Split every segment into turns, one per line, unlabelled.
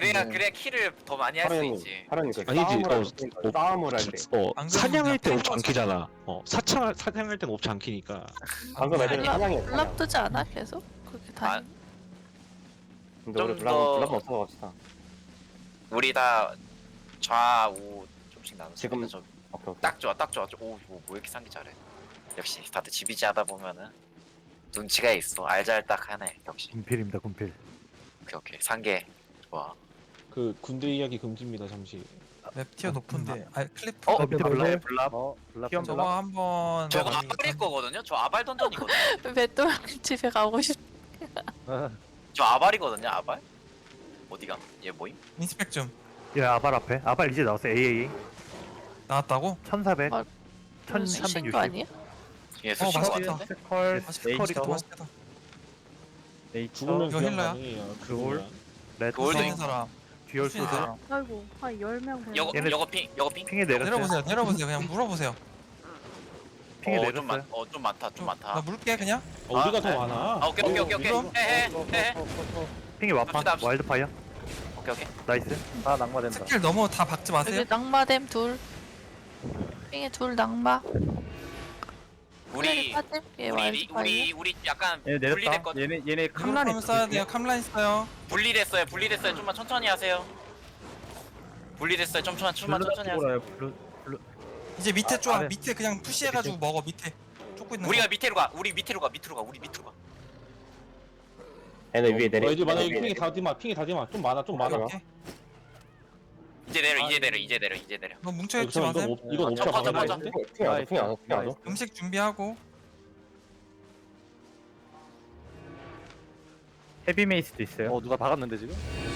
그래야 키를 더 많이 할 수 있지.
하라니 그
아니지,
싸움을 할 때.
방금
사냥할 때
그냥
옵지 않기잖아. 사냥할 땐 옵지 않기니까.
방금 애들
아니,
사냥해.
블랍 뜨지 않아 계속? 그렇게 다니.
근데 우리
좀 더-
블랍 없어 갑시다.
우리 다 좌우 좀씩 나눠.
지금-
저,
오케이 오케이.
딱 좋아, 딱 좋아. 오, 뭐 이렇게 상기 잘해. 역시 다들 지비지 하다 보면은 눈치가 있어. 알잘딱 하네. 역시.
군필입니다 군필.
오케이. 상계 좋아.
그 군대 이야기 금지입니다. 잠시.
맵 티어 높은데. 아 클리프.
어,
밑에
블랍.
블랍.
블랍.
저거 한번.
저거 아발일 거거든요. 저 아발 던전이거든요.
배또 집에 가고 싶.
저 아발이거든요. 아발. 어디가? 얘 뭐임?
인스펙 좀
예 아발 앞에. 아발 이제 나왔어. AAA.
나왔다고?
1400.
아,
1360.
거 아니야?
얘 수신 거
맛있겠다.
같은데?
스컬.
맛있겠다.
스컬이 또.
맛있겠다.
죽으면
이거
그냥
힐러야?
가능해요.
그걸? 레드.
그걸
있는 사람.
듀얼
있는
소드.
사람.
아이고 한 10명 되네.
여거 여거 핑.
핑에 내렸어요.
내려보세요. 그냥 물어보세요.
핑에
좀
내렸어요.
좀 많다. 좀 많다.
나 물게 그냥.
우리가
아,
더 많아.
아, 오케이.
이거?
헤헤.
핑에 와판.
합시다.
와일드파이어.
오케이.
나이스. 아 낙마된다.
스킬 너무 다 박지 마세요.
여기 낙마댐 둘. 삥에 둘 낙마.
우리
빠짐. 얘 와이파이.
우리 약간
얘 내렸다.
분리됐거든.
얘네
캄란이 써야 돼요. 캄란 써요.
분리됐어요. 좀만 천천히 하세요. 분리됐어요. 좀만 천천히 하세요.
이제 밑에
아,
쪼아.
아래.
밑에 그냥 푸시해가지고 먹어. 밑에 쫓고 있는
우리가
거.
밑으로 가. 우리 밑으로 가.
얘네 위에 내려.
애들 만약에 핑이 다 디마. 좀 많아.
오케이.
이제 내려.
너 뭉쳐 있지
이건
마세요.
이건 옵차
퍼져,
가능해.
퍼져.
핑이 안 와.
음식 준비하고.
헤비메이스도 있어요.
누가 박았는데 지금?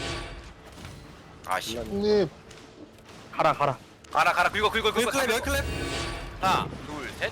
아씨.
형님
가라.
가라. 긁어.
열 클랩.
하나, 둘, 셋.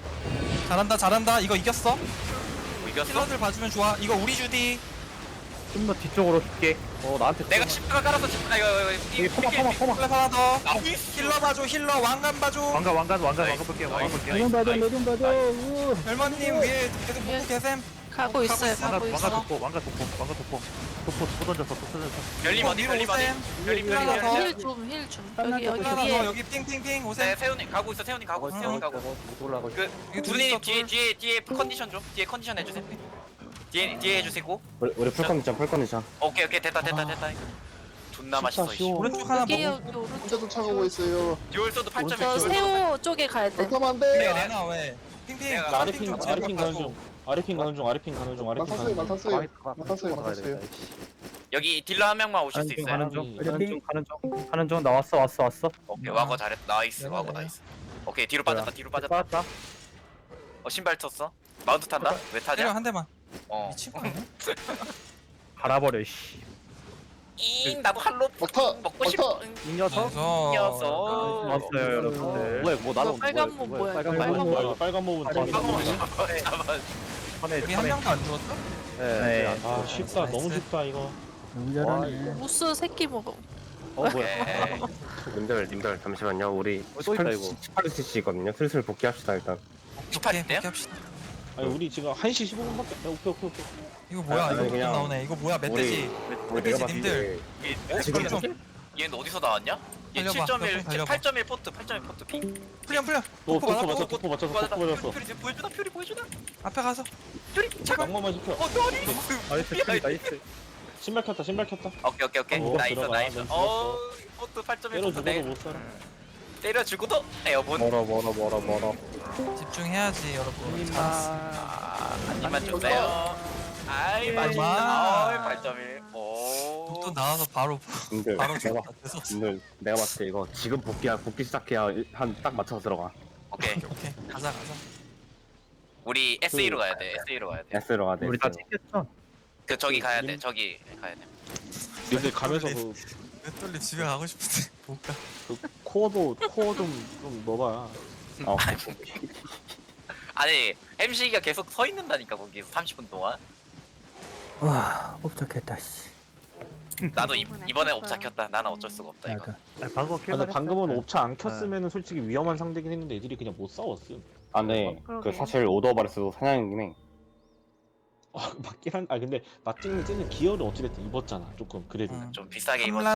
잘한다. 이거 이겼어.
뭐 이겼어?
힐러들 봐주면 좋아. 이거 우리 주디.
좀 더 뒤쪽으로 줄게.
나한테
내가 10가 깔아서
여기 포마.
클랩 하나 더.
나이스.
힐러 봐줘. 힐러 왕관 봐줘.
왕관 볼게요.
내좀 봐줘.
별마님 위에 계속 보고 계셈.
가고 있어요. 가고
왕관
있어.
도포 던졌어.
열림 어디?
위로 오셈.
열림.
하나 더.
힐 좀. 여기
하나 더
위에.
여기 핑핑핑
네,
오셈.
세훈이 가고 있어. 세훈이 가고.
올라가고.
그
이거 둘
두님
있어, 둘.
뒤에 컨디션 좀. 뒤에 컨디션 해주세요. 뒤에 해주시고.
우리 풀컨디션.
오케이. 됐다. 존나 맛있어. 이씨.
오른쪽 하나
여기
먹어.
여기 오른쪽.
혼자 쫓아가고 있어요.
듀얼소드 8점에
저 새우 쪽에 가야 돼.
그렇게 하면 안
네,
돼.
안 와, 왜? 핑핑.
내가
아래핑 가는 중. 아래핑 가는 중.
많았어요.
여기 딜러 한 명만 오실 수 있어요?
가는 중 나왔어.
오케이 와거 잘했다. 나이스. 와거 나이스. 오케이 뒤로 빠졌다.
빠졌다.
신발 쳤어. 마운트 탄다? 왜
때려
타냐?
한 대만.
어.
미친 거 아니야?
갈아버려 씨.
나도 할로
막타!
먹고 싶어.
막타!
이 녀석.
녀석.
왔어요 여러분들.
뭐 나는
빨간 몸 뭐야?
빨간 몸은
잠깐만.
우리 한 명도 안 죽었어?
네.
아 쉽다. 너무 쉽다 이거.
무스 새끼 먹어.
오케이.
님들 잠시만요. 우리
또 있다, 이거.
18cc 거든요. 슬슬 복귀합시다 일단.
18 대요?
합시다.
아니 우리 지금 1시 15분밖에. 오케이.
이거 뭐야?
아니,
이거
그냥
나오네. 이거 뭐야? 멧돼지.
우리
멧돼지
내가 봤을
님들.
때 지금
좀
얘는 어디서 나왔냐? 얘
달려봐,
7.1,
달려봐.
8.1 포트, 8.1 포트 피.
풀려.
너
포크 맞아,
포크 맞췄어.
퓨리 보여주나?
앞에 가서.
퓨리 잠깐.
낭만만 시켜.
나이스.
신발 켰다.
오케이.
어,
나이스.
들어가.
포트 8.1
때려
포트
죽어도 못 살아.
때려주고도 에어본.
멀어.
집중해야지 여러분.
한 입만 주세요. 아이 맛있다. 8.1. 오.
또 나와서 바로
님들
바로
내가
죽었다. 됐어.
님들 내가 봤을 때 이거 지금 복귀 시작해야 한 딱 맞춰서 들어가.
오케이.
오케이. 가자.
우리 SA로 가야 돼.
S로 가야 돼.
우리 다 챙겼죠?
그 저기 가야 돼. 저기 가야 돼.
근데 가면서
맷돌리 집에 가고 싶은데 못 가.
코어 좀 넣어봐.
어.
아니 MC가 계속 서 있는다니까 거기서 30분 동안.
와, 옵작했다 씨.
나도 이번에 옵잡혔다. 나는 어쩔 수가 없다 이거.
방금
근데 방금은 옵차 안 켰으면은 솔직히 위험한 상대긴 했는데 애들이 그냥 못 싸웠음.
아, 네.
그러게.
그 사실 오더바레스도 사냥이긴 해.
맞긴 한. 근데 맞찍는 찌는 기어를 어찌됐든 입었잖아. 조금 그래도.
응.
좀 비싸게 입었.
캄란